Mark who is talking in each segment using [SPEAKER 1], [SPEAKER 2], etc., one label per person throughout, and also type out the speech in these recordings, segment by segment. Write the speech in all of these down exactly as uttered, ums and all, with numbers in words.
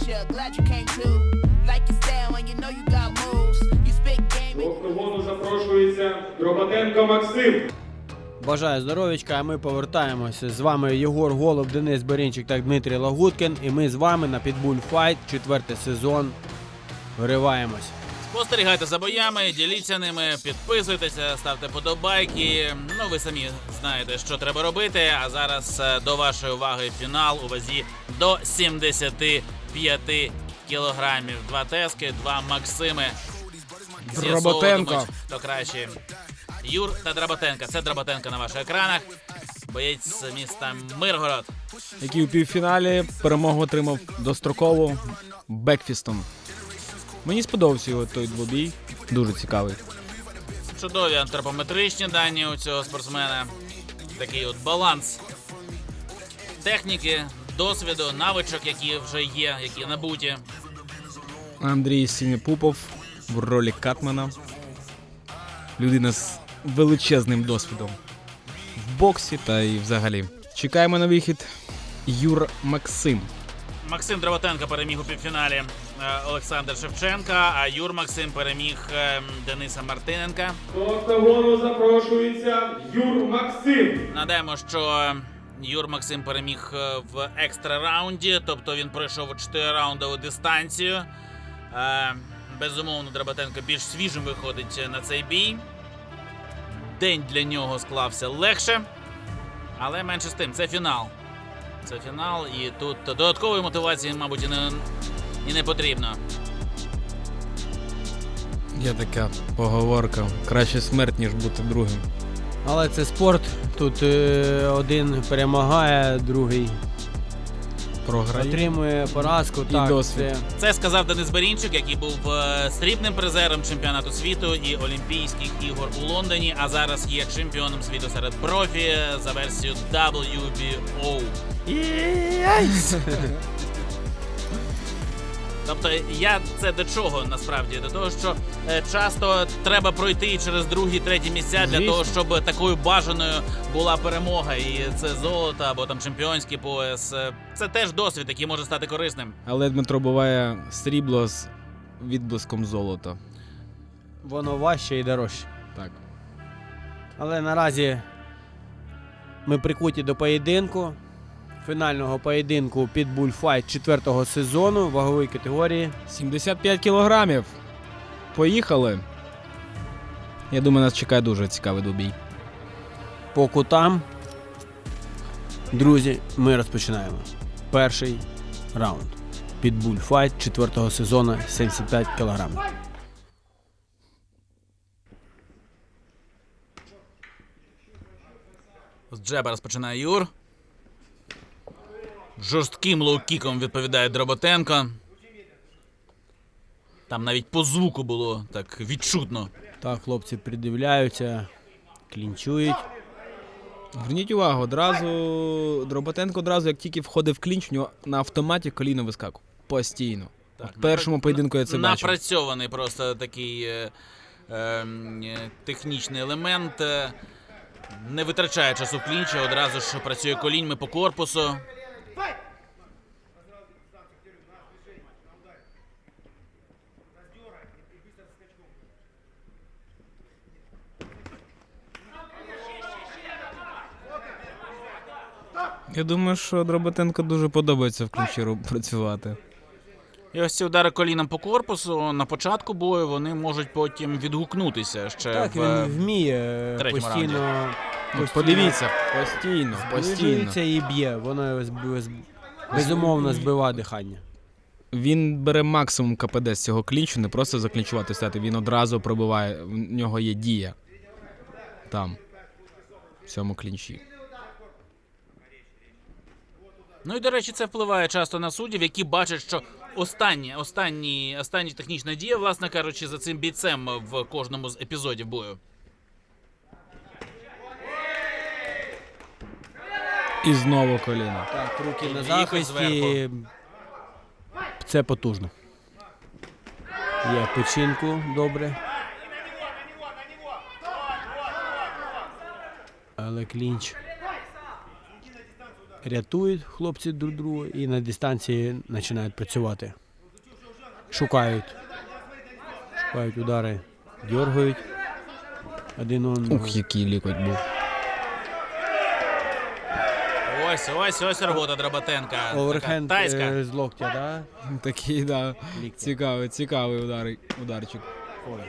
[SPEAKER 1] До октагону запрошується Дроботенко Максим.
[SPEAKER 2] Бажаю здоров'ячка, а ми повертаємося. З вами Єгор Голуб, Денис Берінчик та Дмитрій Лагуткін. І ми з вами на Pitbull Fight, четвертий сезон. Вириваємось.
[SPEAKER 3] Спостерігайте за боями, діліться ними, підписуйтеся, ставте подобайки. Ну, ви самі знаєте, що треба робити. А зараз до вашої уваги фінал у вазі до сімдесяти п'яти кілограмів. Два Тески, два Максими.
[SPEAKER 4] Дроботенко.
[SPEAKER 3] Хто краще. Юр та Дроботенко. Це Дроботенко на ваших екранах. Боєць з міста Миргород.
[SPEAKER 4] Який у півфіналі перемогу отримав достроково бекфістом. Мені сподобався його той двобій. Дуже цікавий.
[SPEAKER 3] Чудові антропометричні дані у цього спортсмена. Такий от баланс техніки, досвіду, навичок, які вже є, які набуті.
[SPEAKER 4] Андрій Сінепупов в ролі Катмана. Людина з величезним досвідом в боксі та і взагалі. Чекаємо на вихід Юр Максим.
[SPEAKER 3] Максим Дроботенко переміг у півфіналі е, Олександр Шевченка, а Юр Максим переміг е, Дениса Мартиненка.
[SPEAKER 1] До октагону запрошується Юр Максим.
[SPEAKER 3] Нагадаємо, що Юр Максим переміг е, в екстра раунді, тобто він пройшов чотирираундову дистанцію. Е, безумовно, Дроботенко більш свіжим виходить на цей бій. День для нього склався легше, але менше з тим, це фінал. Це фінал, і тут додаткової мотивації, мабуть, і не, і не потрібно.
[SPEAKER 4] Є така поговорка. Краще смерть, ніж бути другим.
[SPEAKER 2] Але це спорт. Тут е, один перемагає, другий
[SPEAKER 4] Програє.
[SPEAKER 2] отримує поразку.
[SPEAKER 4] І
[SPEAKER 2] Так,
[SPEAKER 4] досвід.
[SPEAKER 2] це
[SPEAKER 3] Це сказав Денис Берінчик, який був е, срібним призером чемпіонату світу і Олімпійських ігор у Лондоні, а зараз є чемпіоном світу серед профі за версією дабл ю бі о. Тобто я це до чого насправді? До того, що е, часто треба пройти через другі, треті місця для
[SPEAKER 4] Звісно.
[SPEAKER 3] того, щоб такою бажаною була перемога. І це золото або там чемпіонський пояс. Е, Це теж досвід, який може стати корисним.
[SPEAKER 4] Але Дмитро буває срібло з відблиском золота.
[SPEAKER 2] воно важче і дорожче.
[SPEAKER 4] Так.
[SPEAKER 2] Але наразі ми прикуті до поєдинку. Фінального поєдинку Pitbull Fight четвертого сезону вагової категорії.
[SPEAKER 4] сімдесят п'ять кілограмів. Поїхали. Я думаю, нас чекає дуже цікавий двобій.
[SPEAKER 2] По кутам. Друзі, ми розпочинаємо. Перший раунд. Pitbull Fight четвертого сезону, сімдесят п'ять кілограмів.
[SPEAKER 3] З джеба розпочинає Юр. Жорстким лоу-кіком відповідає Дроботенко. Там навіть по звуку було так відчутно.
[SPEAKER 2] Так, хлопці придивляються, клінчують.
[SPEAKER 4] Зверніть увагу, одразу Дроботенко одразу, як тільки входив в клінч, у нього на автоматі коліно вискакувало. Постійно.
[SPEAKER 3] Так,
[SPEAKER 4] В першому поєдинку я це бачив.
[SPEAKER 3] Напрацьований просто такий е, е, е, технічний елемент. Е, не витрачає часу в клінчі, одразу ж працює коліньми по корпусу.
[SPEAKER 4] Я думаю, що Дроботенко дуже подобається в клінчі ру- працювати.
[SPEAKER 3] І ось ці удари коліном по корпусу на початку бою, вони можуть потім відгукнутися ще
[SPEAKER 2] Так,
[SPEAKER 3] в...
[SPEAKER 2] він вміє
[SPEAKER 3] третьому
[SPEAKER 2] постійно,
[SPEAKER 4] Ну,
[SPEAKER 2] постійно
[SPEAKER 4] подивіться, постійно, постійно.
[SPEAKER 2] зближується і б'є. Воно його зб- зб- безумовно збиває дихання.
[SPEAKER 4] Він бере максимум КПД з цього клінчу, не просто заклінчувати стати, він одразу пробиває, в нього є дія. Там, в цьому клінчі.
[SPEAKER 3] Ну і, до речі, це впливає часто на суддів, які бачать, що останні, останні, останні технічна дія, власне кажучи, за цим бійцем в кожному з епізодів бою.
[SPEAKER 4] І знову коліно.
[SPEAKER 2] Так, руки на
[SPEAKER 3] Якось
[SPEAKER 2] захисті.
[SPEAKER 3] зверху.
[SPEAKER 2] Це потужно. Є печінку, добре. Але клінч. рятують хлопці друг друга і на дистанції починають працювати. Шукають. Шукають удари, дергають один одного.
[SPEAKER 4] Ух, який лікоть був.
[SPEAKER 3] Ось, ось, ось робота Драбатенка.
[SPEAKER 2] Оверхенд
[SPEAKER 3] Така тайська.
[SPEAKER 2] е, з локтя, да?
[SPEAKER 4] Такий, да.
[SPEAKER 2] Лікоть.
[SPEAKER 4] Цікавий, цікавий удар, ударчик.
[SPEAKER 2] Ой.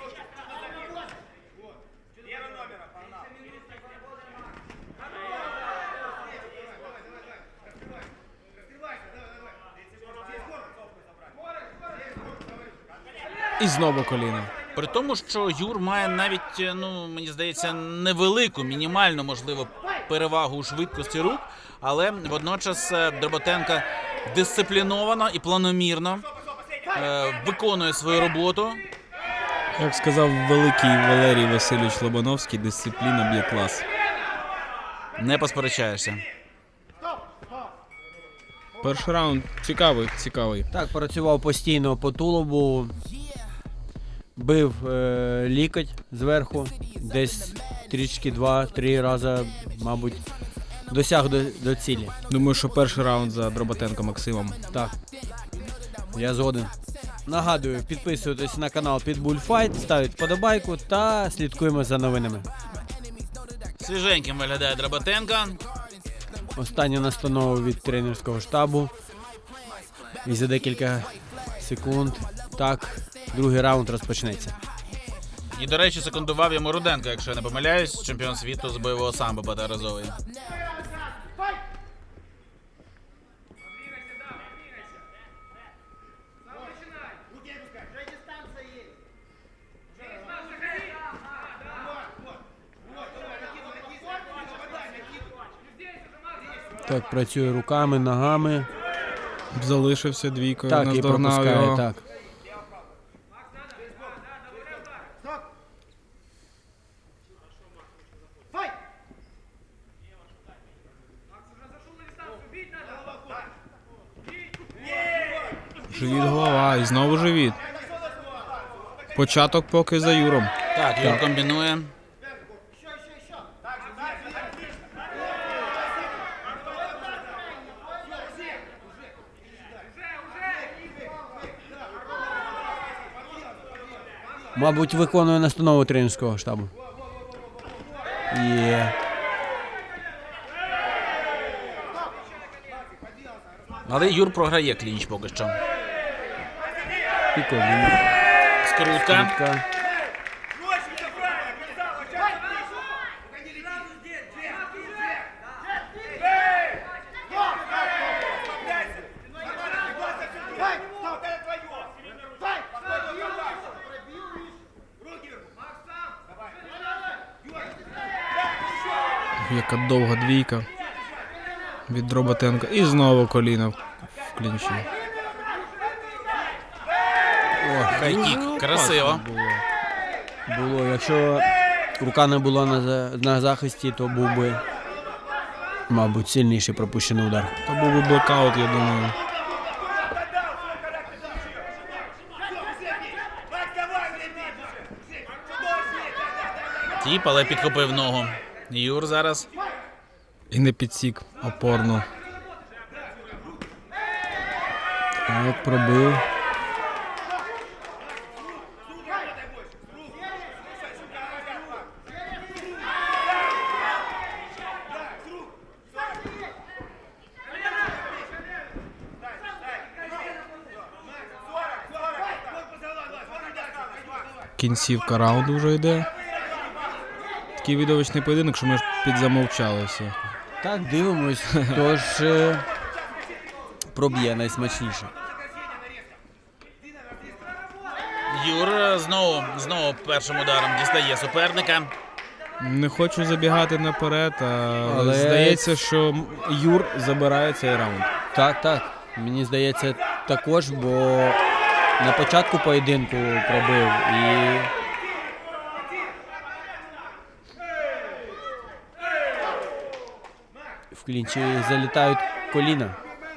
[SPEAKER 4] І знову коліно.
[SPEAKER 3] При тому, що Юр має навіть, ну, мені здається, невелику, мінімальну, можливо, перевагу у швидкості рук, але водночас е, Драбатенко дисципліновано і планомірно е, виконує свою роботу.
[SPEAKER 4] Як сказав великий Валерій Васильович Лобановський, дисципліна б'є клас.
[SPEAKER 3] Не посперечаєшся.
[SPEAKER 4] Перший раунд цікавий, цікавий.
[SPEAKER 2] Так, працював постійно по тулубу, бив е, лікоть зверху, десь трішки два-три рази, мабуть, досяг до, до цілі.
[SPEAKER 4] Думаю, що перший раунд за Дроботенко Максимом.
[SPEAKER 2] Так, я згоден. Нагадую, підписуйтесь на канал Pitbull Fight, ставіть подобайку та слідкуємо за новинами.
[SPEAKER 3] Свіженьким виглядає Драбатенко.
[SPEAKER 2] Остання настанова від тренерського штабу. І за декілька секунд, так, другий раунд розпочнеться.
[SPEAKER 3] І, до речі, секундував йому Руденко, якщо я не помиляюсь, чемпіон світу з бойового самбо багаторазовий.
[SPEAKER 2] Так, працює руками, ногами.
[SPEAKER 4] Залишився двійкою,
[SPEAKER 2] Так, і
[SPEAKER 4] наздогнав
[SPEAKER 2] пропускає,
[SPEAKER 4] його.
[SPEAKER 2] так.
[SPEAKER 4] Живіт, голова, і знову живіт. Початок поки за Юром.
[SPEAKER 3] Так, Юр комбінує.
[SPEAKER 2] Мабуть, виконує настанову тренерського штабу. Є.
[SPEAKER 3] Але Юр програє клінч поки що.
[SPEAKER 2] І коліно.
[SPEAKER 3] Скрутка.
[SPEAKER 2] Скрутка.
[SPEAKER 4] Яка довга двійка від Дроботенка. І знову коліно в клінчі.
[SPEAKER 3] Хайкік. Красиво.
[SPEAKER 2] Було. Було. Якщо рука не була на, за- на захисті, то був би, мабуть, сильніший пропущений удар.
[SPEAKER 4] То був би блокаут, я думаю.
[SPEAKER 3] Тіп, але підхопив ногу. Юр зараз.
[SPEAKER 4] І не підсік опорно.
[SPEAKER 2] Так, пробив.
[SPEAKER 4] Кінцівка раунду вже йде. Такий видовищний поєдинок, що ми ж підзамовчали все.
[SPEAKER 2] Так, дивимось, хто ж е, проб'є найсмачніше.
[SPEAKER 3] Юр знову, знову першим ударом дістає суперника.
[SPEAKER 4] Не хочу забігати наперед, але,
[SPEAKER 2] Але-
[SPEAKER 4] здається, що Юр забирає цей раунд.
[SPEAKER 2] Так, так. Мені здається, також, бо на початку поєдинку пробив і. В клінчі залітають коліна.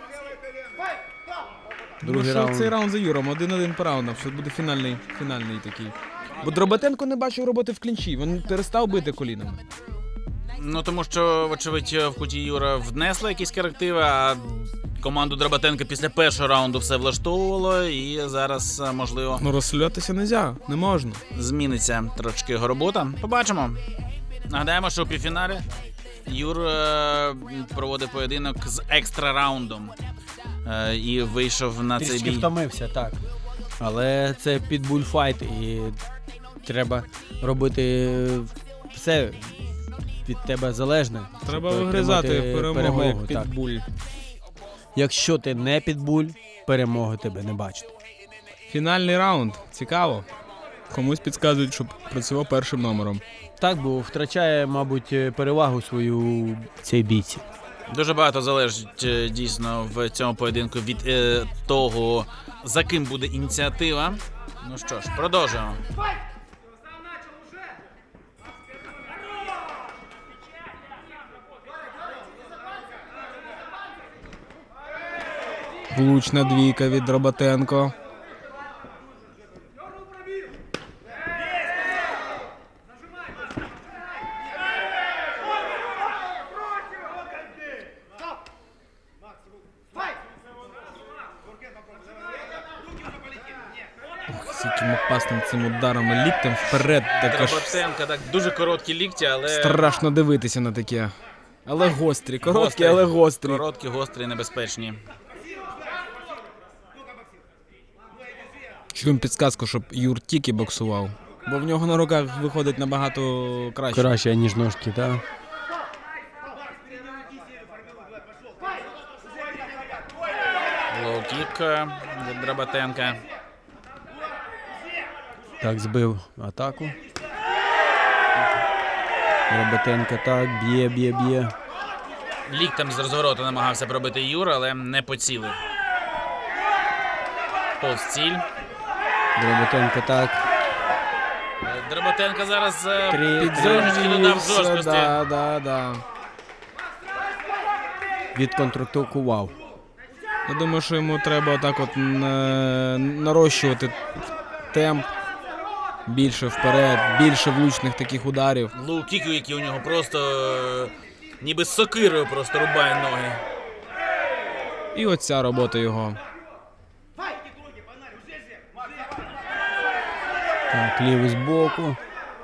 [SPEAKER 2] Другий
[SPEAKER 4] Другий
[SPEAKER 2] раунд.
[SPEAKER 4] цей раунд за Юром, один-один по раундам, що буде фінальний, фінальний такий. Бо Дроботенко не бачив роботи в клінчі, він перестав бити колінами.
[SPEAKER 3] Ну, тому що, вочевидь, в куті Юра внесли якісь корективи, а команду Драбатенка після першого раунду все влаштовувало, і зараз, можливо,
[SPEAKER 4] Ну розслюватися не можна, не можна.
[SPEAKER 3] зміниться трошки його робота. Побачимо. Нагадаємо, що у півфіналі Юр е, проводив поєдинок з екстра раундом е, і вийшов на цей
[SPEAKER 2] Трішки
[SPEAKER 3] бій.
[SPEAKER 2] втомився, так. Але це підбульфайт і треба робити все від тебе залежне.
[SPEAKER 4] Треба
[SPEAKER 2] щоб
[SPEAKER 4] вигризати
[SPEAKER 2] отримати
[SPEAKER 4] перемогу, як
[SPEAKER 2] так.
[SPEAKER 4] підбуль.
[SPEAKER 2] Якщо ти не підбуль, перемоги тебе не бачити.
[SPEAKER 4] Фінальний раунд. Цікаво. Комусь підказують, щоб працював першим номером.
[SPEAKER 2] Так, бо втрачає, мабуть, перевагу свою цей бійці.
[SPEAKER 3] Дуже багато залежить е, дійсно в цьому поєдинку від е, того, за ким буде ініціатива. Ну що ж, продовжуємо.
[SPEAKER 4] Влучна двійка від Драбатенко. З яким опасним цим ударом і ліктем вперед, так аж
[SPEAKER 3] Драбатенка, так, дуже короткі лікті, але
[SPEAKER 4] страшно дивитися на таке. Але гострі, короткі,
[SPEAKER 3] Гострі.
[SPEAKER 4] але гострі.
[SPEAKER 3] короткі, гострі, небезпечні.
[SPEAKER 4] Чуємо підсказку, щоб Юр тільки боксував. Бо в нього на руках виходить набагато краще.
[SPEAKER 2] Краще, ніж ножки, так?
[SPEAKER 3] Лоу-кік е, від Драбатенка.
[SPEAKER 2] Так, збив атаку. Роботенко так, б'є, б'є, б'є.
[SPEAKER 3] Ліктем з розвороту намагався пробити Юр, але не поцілив. Повз ціль.
[SPEAKER 2] Роботенко так.
[SPEAKER 3] Е, Драбатенко зараз е,
[SPEAKER 2] Три-
[SPEAKER 3] трошечки додав жорсткості.
[SPEAKER 4] Да, да, да.
[SPEAKER 2] Відконтрактував.
[SPEAKER 4] Я думаю, що йому треба отак от на- нарощувати темп. Більше вперед, більше влучних таких ударів.
[SPEAKER 3] Лоу-кіки, які у нього просто е, ніби з сокирою просто рубає ноги.
[SPEAKER 4] І оця робота його.
[SPEAKER 2] Так, лівий збоку.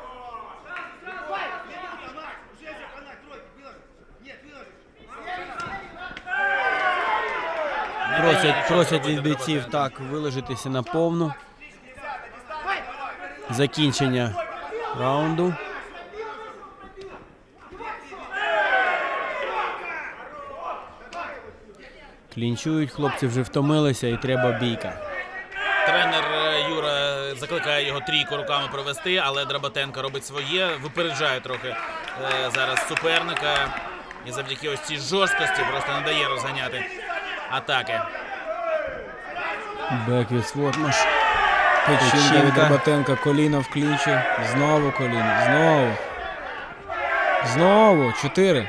[SPEAKER 2] Просять, просять від бійців так виложитися на повну. Закінчення раунду. Клінчують, хлопці вже втомилися і треба бійка.
[SPEAKER 3] Тренер е, Юра закликає його трійку руками провести, але Драбатенко робить своє, випереджає трохи е, зараз суперника. І завдяки ось цій жорсткості просто не дає розганяти атаки.
[SPEAKER 2] Беквіт Свотмаш.
[SPEAKER 4] Печінка від
[SPEAKER 2] Печінка.
[SPEAKER 4] Драбатенка, коліно в клінчі. Знову коліно, знову. Знову, чотири.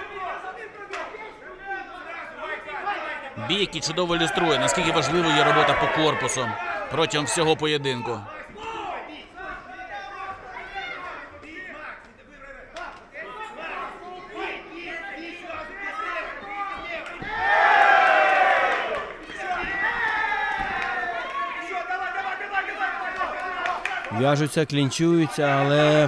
[SPEAKER 3] Бій, який чудово ілюструє, наскільки важливою є робота по корпусу протягом всього поєдинку.
[SPEAKER 2] В'яжуться, клінчуються, але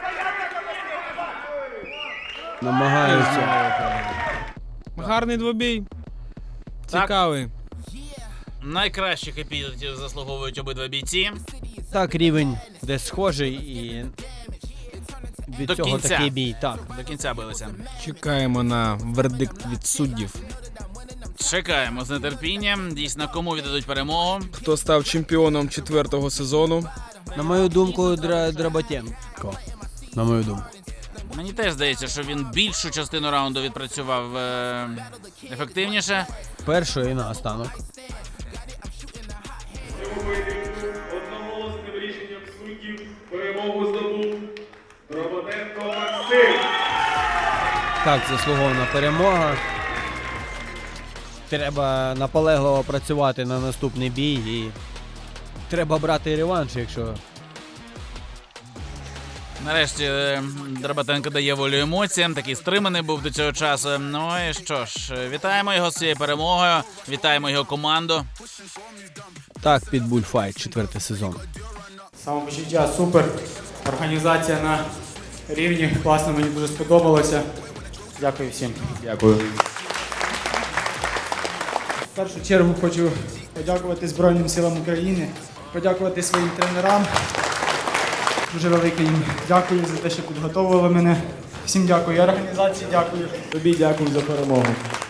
[SPEAKER 2] намагаються.
[SPEAKER 4] Гарний двобій. Цікавий.
[SPEAKER 3] Найкращих епітетів заслуговують обидва бійці.
[SPEAKER 2] Так, рівень десь схожий і від
[SPEAKER 3] До
[SPEAKER 2] цього
[SPEAKER 3] кінця.
[SPEAKER 2] такий бій. Так.
[SPEAKER 3] До кінця билися.
[SPEAKER 4] Чекаємо на вердикт від суддів.
[SPEAKER 3] Чекаємо з нетерпінням. Дійсно, кому віддадуть перемогу.
[SPEAKER 4] Хто став чемпіоном четвертого сезону?
[SPEAKER 2] На мою думку, Дра... Драбатенко. На мою думку.
[SPEAKER 3] Мені теж здається, що він більшу частину раунду відпрацював е- ефективніше.
[SPEAKER 2] Перший і наостанок.
[SPEAKER 1] Цьому поєдинку одноголосним рішенням суддів перемогу здобув Драбатенко Максим.
[SPEAKER 2] Так, заслугована перемога. Треба наполегливо працювати на наступний бій і треба брати реванш, якщо
[SPEAKER 3] Нарешті е, Драбатенко дає волю емоціям, такий стриманий був до цього часу. Ну і що ж, вітаємо його з цією перемогою, вітаємо його команду.
[SPEAKER 2] Так, під Bullfight, четвертий сезон.
[SPEAKER 5] Самопочуття супер, організація на рівні, класно, мені дуже сподобалося. Дякую всім.
[SPEAKER 2] Дякую.
[SPEAKER 5] В першу чергу хочу подякувати Збройним силам України, подякувати своїм тренерам. Дуже велике їм дякую за те, що підготовили мене. Всім дякую, і організації дякую.
[SPEAKER 6] Тобі дякую за перемогу.